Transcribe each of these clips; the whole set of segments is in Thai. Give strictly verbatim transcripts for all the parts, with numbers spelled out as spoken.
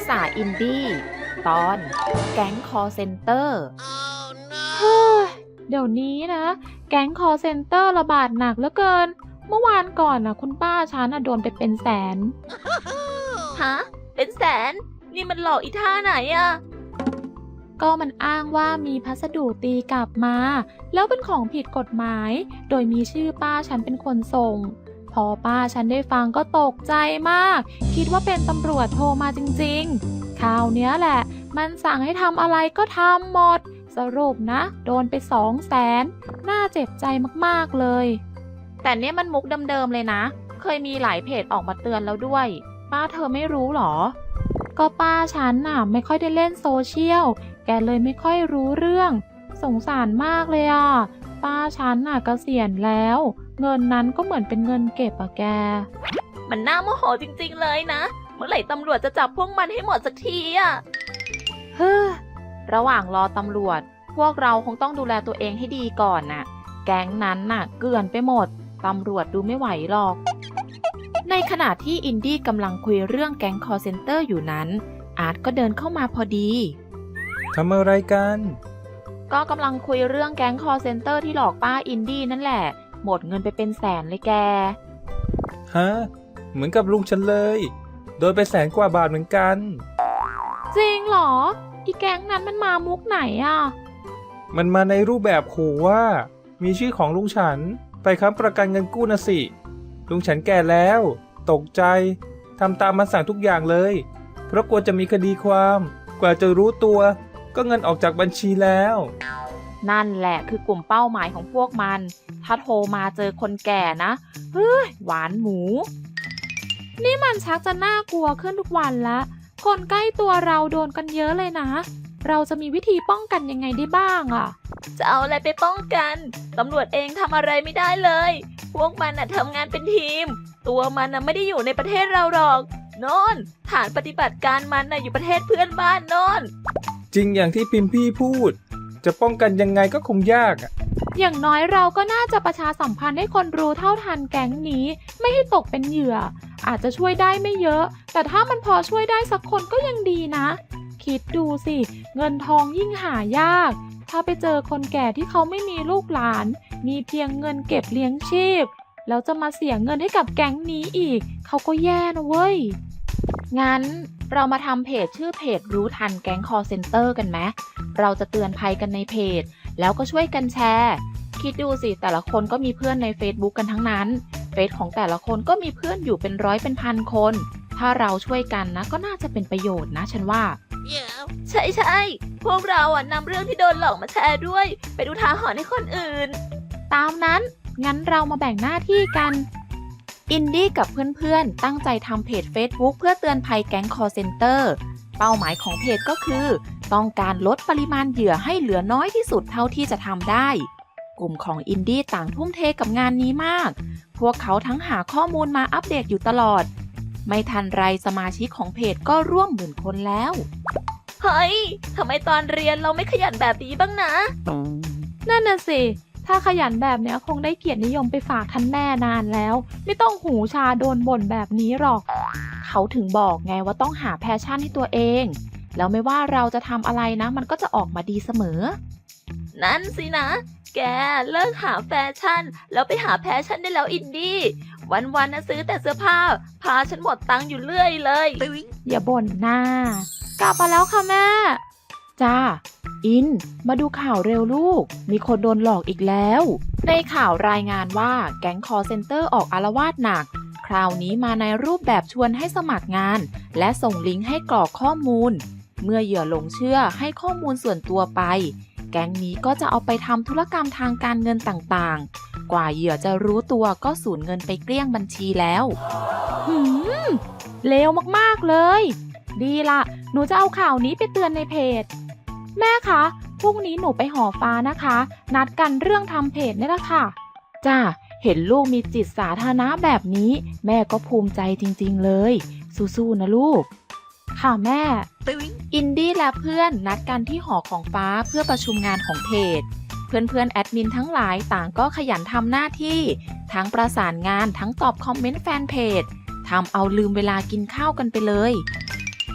ษาอินดี้ตอนแก๊งคอลเซ็นเตอร์เฮ้ยเดี๋ยวนี้นะแก๊งคอลเซ็นเตอร์ระบาดหนักเหลือเกินเมื่อวานก่อนนะคุณป้าฉันนะโดนไปเป็นแสนฮะเป็นแสนนี่มันหลอกอีท่าไหนอะก็มันอ้างว่ามีพัสดุตีกลับมาแล้วเป็นของผิดกฎหมายโดยมีชื่อป้าฉันเป็นคนส่งพอป้าฉันได้ฟังก็ตกใจมากคิดว่าเป็นตำรวจโทรมาจริงๆคราวเนี้ยแหละมันสั่งให้ทำอะไรก็ทำหมดสรุปนะโดนไปสองแสนน่าเจ็บใจมากๆเลยแต่เนี้ยมันมุกเดิมๆเลยนะเคยมีหลายเพจออกมาเตือนแล้วด้วยป้าเธอไม่รู้หรอก็ป้าฉันน่ะไม่ค่อยได้เล่นโซเชียลแกเลยไม่ค่อยรู้เรื่องสงสารมากเลยอ่ะป้าฉันน่ะเกษียณแล้วเงินนั้นก็เหมือนเป็นเงินเก็บอะแกมันน่าโมโหจริงๆเลยนะเมื่อไหร่ตำรวจจะจับพวกมันให้หมดสักทีอะเฮ้อระหว่างรอตำรวจพวกเราคงต้องดูแลตัวเองให้ดีก่อนน่ะแก๊งนั้นน่ะเกลื่อนไปหมดตำรวจดูไม่ไหวหรอกในขณะที่อินดี้กำลังคุยเรื่องแก๊งคอลเซ็นเตอร์อยู่นั้นอาร์ตก็เดินเข้ามาพอดีทำอะไรกันก็กำลังคุยเรื่องแก๊งคอลเซ็นเตอร์ที่หลอกป้าอินดี้นั่นแหละหมดเงินไปเป็นแสนเลยแกฮะเหมือนกับลุงฉันเลยโดนไปแสนกว่าบาทเหมือนกันจริงเหรออีแก๊งนั้นมันมามุกไหนอ่ะมันมาในรูปแบบขู่ว่ามีชื่อของลุงฉันไปค้ำประกันเงินกู้นะสิลุงฉันแก่แล้วตกใจทำตามมันสั่งทุกอย่างเลยเพราะกลัวจะมีคดีความกว่าจะรู้ตัวก็เงินออกจากบัญชีแล้วนั่นแหละคือกลุ่มเป้าหมายของพวกมันถ้าโทรมาเจอคนแก่นะเฮ้ยหวานหมูนี่มันชักจะน่ากลัวขึ้นทุกวันละคนใกล้ตัวเราโดนกันเยอะเลยนะเราจะมีวิธีป้องกันยังไงได้บ้างอ่ะจะเอาอะไรไปป้องกันตำรวจเองทำอะไรไม่ได้เลยพวกมันน่ะทำงานเป็นทีมตัวมันน่ะไม่ได้อยู่ในประเทศเราหรอกโน่นฐานปฏิบัติการมันน่ะอยู่ประเทศเพื่อนบ้านโน่นจริงอย่างที่พิมพี่พูดจะป้องกันยังไงก็คงยากอ่ะอย่างน้อยเราก็น่าจะประชาสัมพันธ์ให้คนรู้เท่าทันแก๊งนี้ไม่ให้ตกเป็นเหยื่ออาจจะช่วยได้ไม่เยอะแต่ถ้ามันพอช่วยได้สักคนก็ยังดีนะคิดดูสิเงินทองยิ่งหายากถ้าไปเจอคนแก่ที่เขาไม่มีลูกหลานมีเพียงเงินเก็บเลี้ยงชีพแล้วจะมาเสียเงินให้กับแก๊งนี้อีกเขาก็แย่นะเว้ยงั้นเรามาทำเพจชื่อเพจรู้ทันแก๊งคอลเซ็นเตอร์กันไหมเราจะเตือนภัยกันในเพจแล้วก็ช่วยกันแชร์คิดดูสิแต่ละคนก็มีเพื่อนใน Facebook กันทั้งนั้นเฟซของแต่ละคนก็มีเพื่อนอยู่เป็นร้อยเป็นพันคนถ้าเราช่วยกันนะก็น่าจะเป็นประโยชน์นะฉันว่า yeah. ใช่ใช่พวกเราอ่ะนำเรื่องที่โดนหลอกมาแชร์ด้วยไปดูท้าหรณ์ให้คนอื่นตามนั้นงั้นเรามาแบ่งหน้าที่กันอินดี้กับเพื่อนๆตั้งใจทำเพจ Facebook เพื่อเตือนภัยแก๊งคอลเซ็นเตอร์เป้าหมายของเพจก็คือต้องการลดปริมาณเหยื่อให้เหลือน้อยที่สุดเท่าที่จะทำได้กลุ่มของอินดี้ต่างทุ่มเทกับงานนี้มากพวกเขาทั้งหาข้อมูลมาอัปเดตอยู่ตลอดไม่ทันไรสมาชิกของเพจก็ร่วมหมื่นคนแล้วเฮ้ยทำไมตอนเรียนเราไม่ขยันแบบนี้บ้างนะนั่นน่ะสิถ้าขยันแบบเนี้ยคงได้เกียรตินิยมไปฝากท่านแม่นานแล้วไม่ต้องหูชาโดนบ่นแบบนี้หรอกเขาถึงบอกไงว่าต้องหาแพชชั่นให้ตัวเองแล้วไม่ว่าเราจะทำอะไรนะมันก็จะออกมาดีเสมอนั่นสินะแกเลิกหาแฟชั่นแล้วไปหาแพชชั่นได้แล้วอินดี้วันๆนะซื้อแต่เสื้อผ้าพาฉันหมดตังค์อยู่เรื่อยเลยอย่าบ่นหน้ากลับมาแล้วค่ะแม่จ้าอินมาดูข่าวเร็วลูกมีคนโดนหลอกอีกแล้วในข่าวรายงานว่าแก๊งคอลเซ็นเตอร์ออกอาละวาดหนักคราวนี้มาในรูปแบบชวนให้สมัครงานและส่งลิงก์ให้กรอกข้อมูลเมื่อเหยื่อหลงเชื่อให้ข้อมูลส่วนตัวไปแก๊งนี้ก็จะเอาไปทำธุรกรรมทางการเงินต่างๆกว่าเหยื่อจะรู้ตัวก็สูญเงินไปเกลี้ยงบัญชีแล้วหืมเลวมากๆเลยดีละหนูจะเอาข่าวนี้ไปเตือนในเพจแม่คะพรุ่งนี้หนูไปหอฟ้านะคะนัดกันเรื่องทำเพจนี่แหละค่ะจ้าเห็นลูกมีจิตสาธารณะแบบนี้แม่ก็ภูมิใจจริงๆเลยสู้ๆนะลูกค่ะแม่อินดี้และเพื่อนนัดกันที่หอของฟ้าเพื่อประชุมงานของเพจเพื่อนๆแอดมินทั้งหลายต่างก็ขยันทำหน้าที่ทั้งประสานงานทั้งตอบคอมเมนต์แฟนเพจทำเอาลืมเวลากินข้าวกันไปเลยเฮ้ย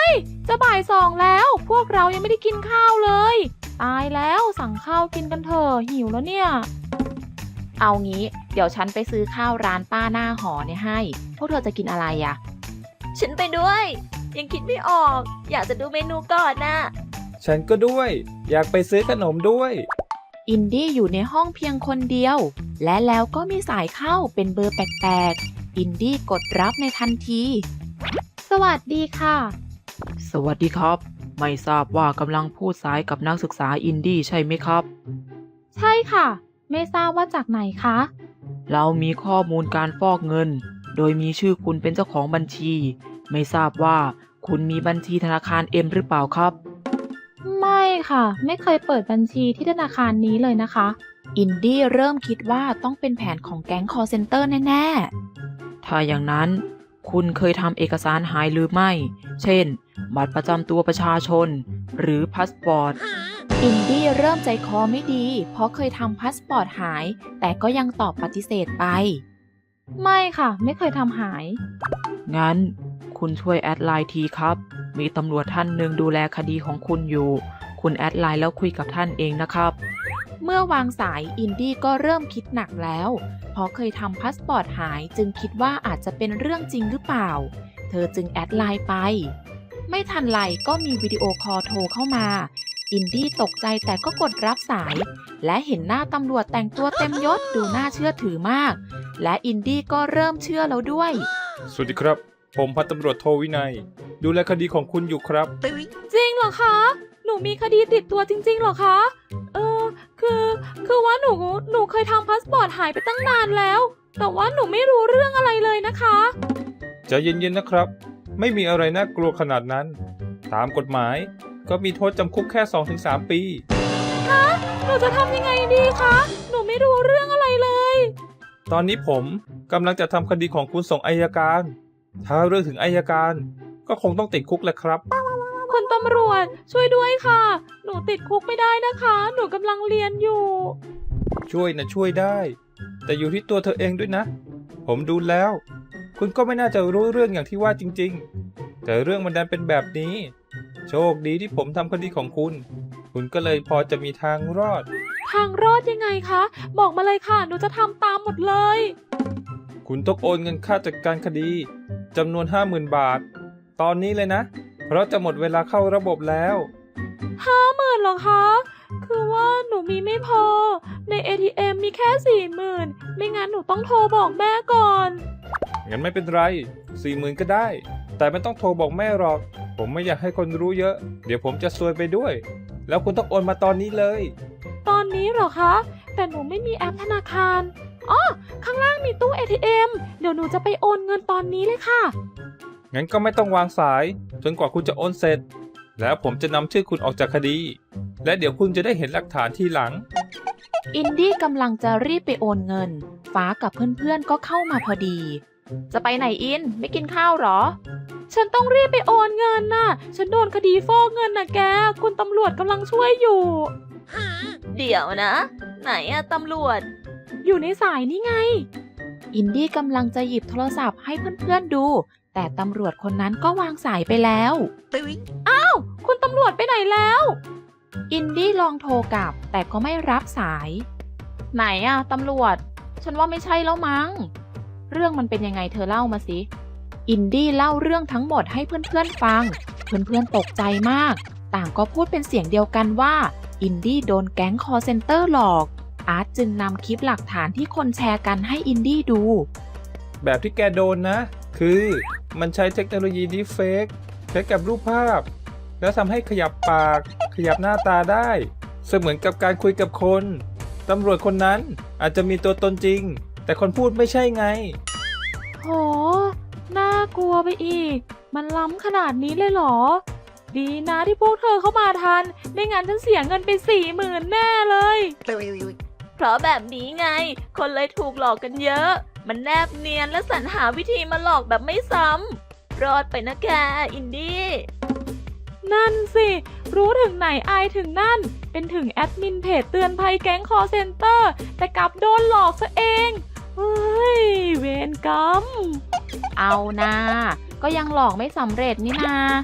ยจะบ่ายสองแล้ว พวกเรายังไม่ได้กินข้าวเลย ตายแล้วสั่งข้าวกินกันเถอะหิวแล้วเนี่ยเอางี้เดี๋ยวฉันไปซื้อข้าวร้านป้าหน้าหอเนี่ยให้ พวกเธอจะกินอะไรอะฉันไปด้วย ยังคิดไม่ออก อยากจะดูเมนูก่อนนะฉันก็ด้วย อยากไปซื้อขนมด้วยอินดี้อยู่ในห้องเพียงคนเดียว และแล้วก็มีสายเข้าเป็นเบอร์แปลกๆอินดี้กดรับในทันทีสวัสดีค่ะสวัสดีครับ ไม่ทราบว่ากำลังพูดสายกับนักศึกษาอินดี้ใช่ไหมครับใช่ค่ะ ไม่ทราบว่าจากไหนคะเรามีข้อมูลการฟอกเงิน โดยมีชื่อคุณเป็นเจ้าของบัญชี ไม่ทราบว่าคุณมีบัญชีธนาคารเอ็มหรือเปล่าครับไม่ค่ะ ไม่เคยเปิดบัญชีที่ธนาคารนี้เลยนะคะอินดี้เริ่มคิดว่าต้องเป็นแผนของแก๊งคอลเซ็นเตอร์แน่ๆถ้าอย่างนั้นคุณเคยทำเอกสารหายหรือไม่ เช่น บัตรประจำตัวประชาชน หรือพาสปอร์ตอินดี้เริ่มใจคอไม่ดี เพราะเคยทำพาสปอร์ตหาย แต่ก็ยังตอบปฏิเสธไปไม่ค่ะ ไม่เคยทำหายงั้นคุณช่วยแอดไลน์ทีครับ มีตำรวจท่านหนึ่งดูแลคดีของคุณอยู่ คุณแอดไลน์แล้วคุยกับท่านเองนะครับเมื่อวางสายอินดี้ก็เริ่มคิดหนักแล้ว เพราะเคยทำพาสปอร์ตหายจึงคิดว่าอาจจะเป็นเรื่องจริงหรือเปล่า เธอจึงแอดไลน์ไป ไม่ทันไรก็มีวิดีโอคอลโทรเข้ามา อินดี้ตกใจแต่ก็กดรับสาย และเห็นหน้าตำรวจแต่งตัวเต็มยศดูน่าเชื่อถือมาก และอินดี้ก็เริ่มเชื่อแล้วด้วยสวัสดีครับ ผมพันตำรวจโทวินัย ดูแลคดีของคุณอยู่ครับจริงเหรอคะ หนูมีคดีติดตัวจริงๆเหรอคะ เออ คือ คือว่าหนู หนูเคยทำพาสปอร์ตหายไปตั้งนานแล้ว แต่ว่าหนูไม่รู้เรื่องอะไรเลยนะคะใจเย็นๆนะครับ ไม่มีอะไรน่ากลัวขนาดนั้น ตามกฎหมายก็มีโทษจำคุกแค่ สองถึงสาม ปีหนูจะทำยังไงดีคะ หนูไม่รู้เรื่องอะไรเลยตอนนี้ผมกำลังจะทำคดีของคุณส่งอัยการ ถ้าเรื่องถึงอัยการก็คงต้องติดคุกแหละครับคุณตำรวจช่วยด้วยค่ะ หนูติดคุกไม่ได้นะคะ หนูกำลังเรียนอยู่ช่วยนะช่วยได้ แต่อยู่ที่ตัวเธอเองด้วยนะ ผมดูแล้ว คุณก็ไม่น่าจะรู้เรื่องอย่างที่ว่าจริงๆ แต่เรื่องมันดันเป็นแบบนี้ โชคดีที่ผมทำคดีของคุณ คุณก็เลยพอจะมีทางรอดทางรอดยังไงคะ บอกมาเลยค่ะ หนูจะทำตามหมดเลยคุณต้องโอนเงินค่าจัดการคดีจำนวน ห้าหมื่น บาท ตอนนี้เลยนะ เพราะจะหมดเวลาเข้าระบบแล้วห้าหมื่นเหรอคะ คือว่าหนูมีไม่พอ ใน เอ ที เอ็ม มีแค่สี่หมื่นไม่งั้นหนูต้องโทรบอกแม่ก่อนงั้นไม่เป็นไร สี่หมื่น ก็ได้ แต่ไม่ต้องโทรบอกแม่หรอก ผมไม่อยากให้คนรู้เยอะ เดี๋ยวผมจะซวยไปด้วย แล้วคุณต้องโอนมาตอนนี้เลยตอนนี้เหรอคะ แต่หนูไม่มีแอปธนาคาร อ๋อ ข้างล่างมีตู้ เอ ที เอ็ม เดี๋ยวหนูจะไปโอนเงินตอนนี้เลยค่ะงั้นก็ไม่ต้องวางสาย จนกว่าคุณจะโอนเสร็จ แล้วผมจะนำชื่อคุณออกจากคดี และเดี๋ยวคุณจะได้เห็นหลักฐานทีหลังอินดี้กำลังจะรีบไปโอนเงิน ฟ้ากับเพื่อนๆก็เข้ามาพอดี จะไปไหนอิน ไม่กินข้าวหรอฉันต้องรีบไปโอนเงินน่ะ ฉันโดนคดีฟอกเงินน่ะแก คุณตำรวจกำลังช่วยอยู่เดี๋ยวนะ ไหนอะตำรวจอยู่ในสายนี่ไงอินดี้กำลังจะหยิบโทรศัพท์ให้เพื่อนๆดู แต่ตำรวจคนนั้นก็วางสายไปแล้วคุณตำรวจไปไหนแล้วอินดี้ลองโทรกลับ แต่ก็ไม่รับสาย ไหนอะตำรวจ ฉันว่าไม่ใช่แล้วมั้ง เรื่องมันเป็นยังไงเธอเล่ามาสิ อินดี้เล่าเรื่องทั้งหมดให้เพื่อนๆฟัง เพื่อนๆตกใจมาก ต่างก็พูดเป็นเสียงเดียวกันว่า อินดี้โดนแก๊งคอลเซ็นเตอร์หลอก อาร์ตจึงนำคลิปหลักฐานที่คนแชร์กันให้อินดี้ดูแบบที่แกโดนนะ คือมันใช้เทคโนโลยีดีเฟกใช้กับรูปภาพ แล้วทำให้ขยับปาก ขยับหน้าตาได้ เสมือนกับการคุยกับคน ตำรวจคนนั้นอาจจะมีตัวตนจริง แต่คนพูดไม่ใช่ไงโห น่ากลัวไปอีก มันล้ำขนาดนี้เลยเหรอ ดีนะที่พวกเธอเข้ามาทัน ไม่งั้นฉันเสียเงินไปสี่หมื่นแน่เลยเพราะแบบนี้ไง คนเลยถูกหลอกกันเยอะ มันแนบเนียนและสรรหาวิธีมาหลอกแบบไม่ซ้ำ รอดไปนะแก อินดี้นั่นสิ รู้ถึงไหนอายถึงนั่น เป็นถึงแอดมินเพจเตือนภัยแก๊งคอเซ็นเตอร์ แต่กลับโดนหลอกซะเอง เฮ้ย เวรกรรมเอานะก็ยังหลอกไม่สำเร็จนี่นา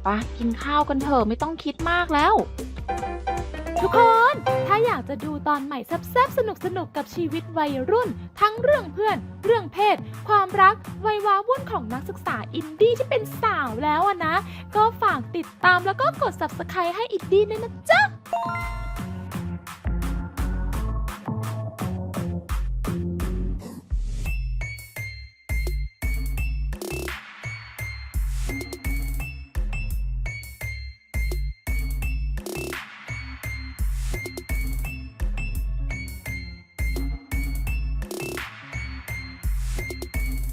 ปะกินข้าวกันเถอะไม่ต้องคิดมากแล้วทุกคน ถ้าอยากจะดูตอนใหม่แซ่บๆสนุกๆกับชีวิตวัยรุ่น ทั้งเรื่องเพื่อน เรื่องเพศ ความรัก วัยว้าวุ่นของนักศึกษาอินดี้ที่เป็นสาวแล้วอะนะ ก็ฝากติดตามแล้วก็กด ซับสไครบ์ ให้อินดี้ด้วยนะจ๊ะ